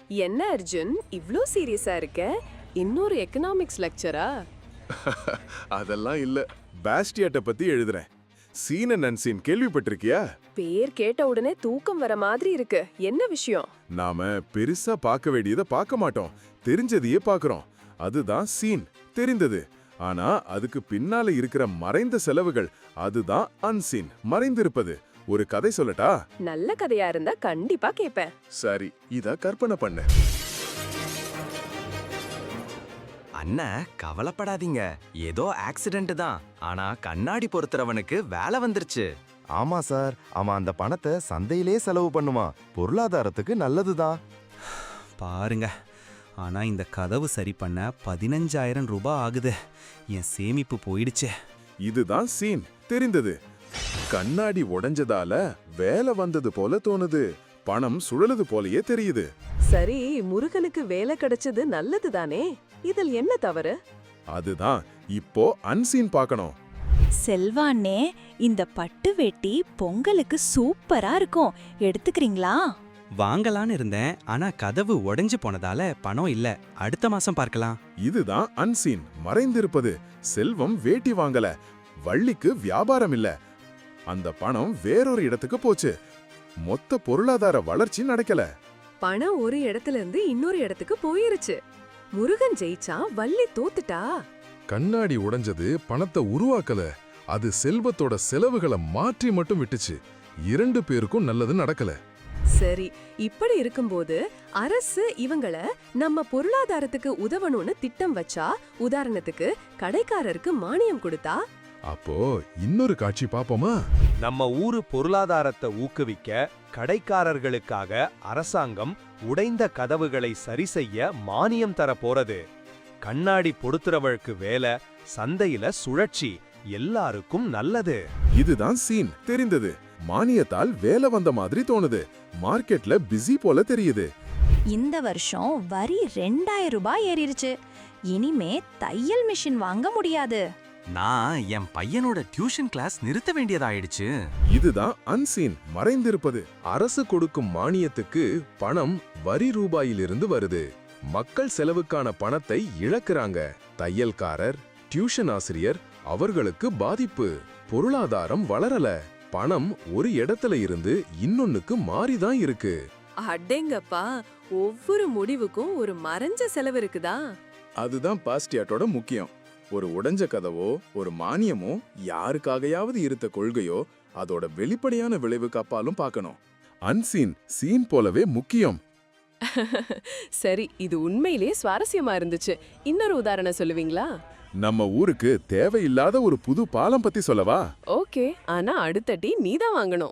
என்ன அர்ஜுன் இவ்ளோ சீரியஸா இருக்க? இன்னொரு எக்கனாமிக்ஸ் லெக்சரா? அதெல்லாம் இல்ல. பாஸ்டியாட்ட பத்தி எழுதுறேன். சீன் அண்ட் அன்சீன் கேள்விப்பட்டிருக்கியா? பேர் கேட்ட உடனே தூக்கம் வர மாதிரி இருக்கு. என்ன விஷயம்? நாம பெருசா பார்க்க வேண்டியதை பார்க்க மாட்டோம். தெரிஞ்சதையே பார்க்கறோம். அதுதான் சீன், தெரிந்தது. ஆனா அதுக்கு பின்னால இருக்கிற மறைந்த செலவுகள், அதுதான் அன்சீன், மறைந்திருப்பது. ஒரு கதை சொல்லட்டா? நல்ல கதையா இருந்தா கண்டிப்பா கேப்பேன். சரி, இத கற்பனை பண்ண. அண்ணா கவலைப்படாதீங்க, ஏதோ ஆக்சிடென்ட் தான். ஆனா கண்ணாடி பொறுத்துறவனுக்கு வேலை வந்துருச்சு. ஆமா சார், அவன் அந்த பணத்தை சந்தையிலே செலவு பண்ணுவான். பொருளாதாரத்துக்கு நல்லதுதான். பாருங்க, ஆனா இந்த கதவு சரி பண்ண 15,000 ரூபாய் ஆகுது. என் சேமிப்பு போயிடுச்சே. இதுதான் சீன், தெரிந்தது. கண்ணாடி உடைஞ்சதால வேலை வந்தது போல தோணுது. பணம் சுழலுது போலயே தெரியுது. சரி, முருகனுக்கு வேலை கிடைச்சது நல்லது தானே? இதில் என்ன தவறு? அதுதான் இப்போ அன்சீன் பார்க்கணும். செல்வாண்ணே, இந்த பட்டு வேட்டி பொங்கலுக்கு சூப்பரா இருக்கும். எடுத்துக்கிறீங்களா? வாங்கலான்னு இருந்தேன், ஆனா கதவு உடைஞ்சு போனதால பணம் இல்ல. அடுத்த மாசம் பார்க்கலாம். இதுதான் அன்சீன், மறைந்திருப்பது. செல்வம் வேட்டி வாங்கல, வள்ளிக்கு வியாபாரம் இல்ல. அந்த பணம் வேறொரு இடத்துக்கு போச்சு. மொத்த பொருளாதார வளர்ச்சி நடக்கல. பணம் ஒரு இடத்துல இருந்து இன்னொரு இடத்துக்கு போயிருச்சு. முருகன் ஜெயிச்சா, வள்ளி தோத்துட்டா. கண்ணாடி உடைஞ்சது பணத்தை உருவாக்கல, அது செல்வத்தோட செலவுகளை மாற்றி மட்டும் விட்டுச்சு. இரண்டு பேருக்கும் நல்லது நடக்கல. சரி, இப்படி இருக்கும்போது அரசு இவங்கள நம்ம பொருளாதாரத்துக்கு உதவணும்னு திட்டம் வச்சா, உதாரணத்துக்கு கடைக்காரருக்கு மானியம் கொடுத்தா, அப்போ இன்னொரு காட்சி பாப்போமா? நம்ம ஊரு பொருளாதாரத்தை ஊக்குவிக்க கடைக்காரர்களுக்காக அரசாங்கம் உடைந்த கதவுகளை சரி செய்ய மானியம் தர போறது. கண்ணாடி பொடுத்துறவளுக்கு வேலை, சந்தையில சுழற்சி, எல்லாருக்கும் நல்லது. இதுதான் சீன், தெரிந்தது. மானியத்தால் வேலை வந்த மாதிரி தோணுது. மார்க்கெட்ல பிஸி போல தெரியுது. இந்த வருஷம் வரி 2,000 ரூபாய் ஏறிடுச்சு. இனிமே தையல் மிஷின் வாங்க முடியாது. நான் என் பையனோட டியூஷன் கிளாஸ் நிறுத்த வேண்டியதாயிடுச்சு. இதுதான் அன்சீன், மறைந்திருப்பது. அரசு கொடுக்கும் மானியத்துக்கு பணம் வரி ரூபாயிலிருந்து வருது. மக்கள் செலவுக்கான பணத்தை இழக்கிறாங்க. தையல்காரர், டியூஷன் ஆசிரியர், அவர்களுக்கு பாதிப்பு. பொருளாதாரம் வளரல. பணம் ஒரு இடத்துல இருந்து இன்னொன்னுக்கு மாறிதான் இருக்கு. அடேங்கப்பா, ஒவ்வொரு முடிவுக்கும் ஒரு மறைஞ்ச செலவு இருக்குதா? அதுதான் பாஸ்டியாட்டோட முக்கியம். ஒரு உடைஞ்ச கதவோ ஒரு மானியமோ யாருக்காகையாவது இருந்த கொள்கையோ அதோட வெளிப்படையான விளைவுக்கு அப்பாலும் பார்க்கணும். அன்சீன் சீன் போலவே முக்கியம். சரி, இது உண்மையிலேயே சுவாரஸ்யமா இருந்துச்சு. இன்னொரு உதாரணம் சொல்லுவீங்களா? நம்ம ஊருக்கு தேவையில்லாத ஒரு புது பாலம் பத்தி சொல்லவா? ஓகே, ஆனா அடுத்த டீ நீதான் வாங்கணும்.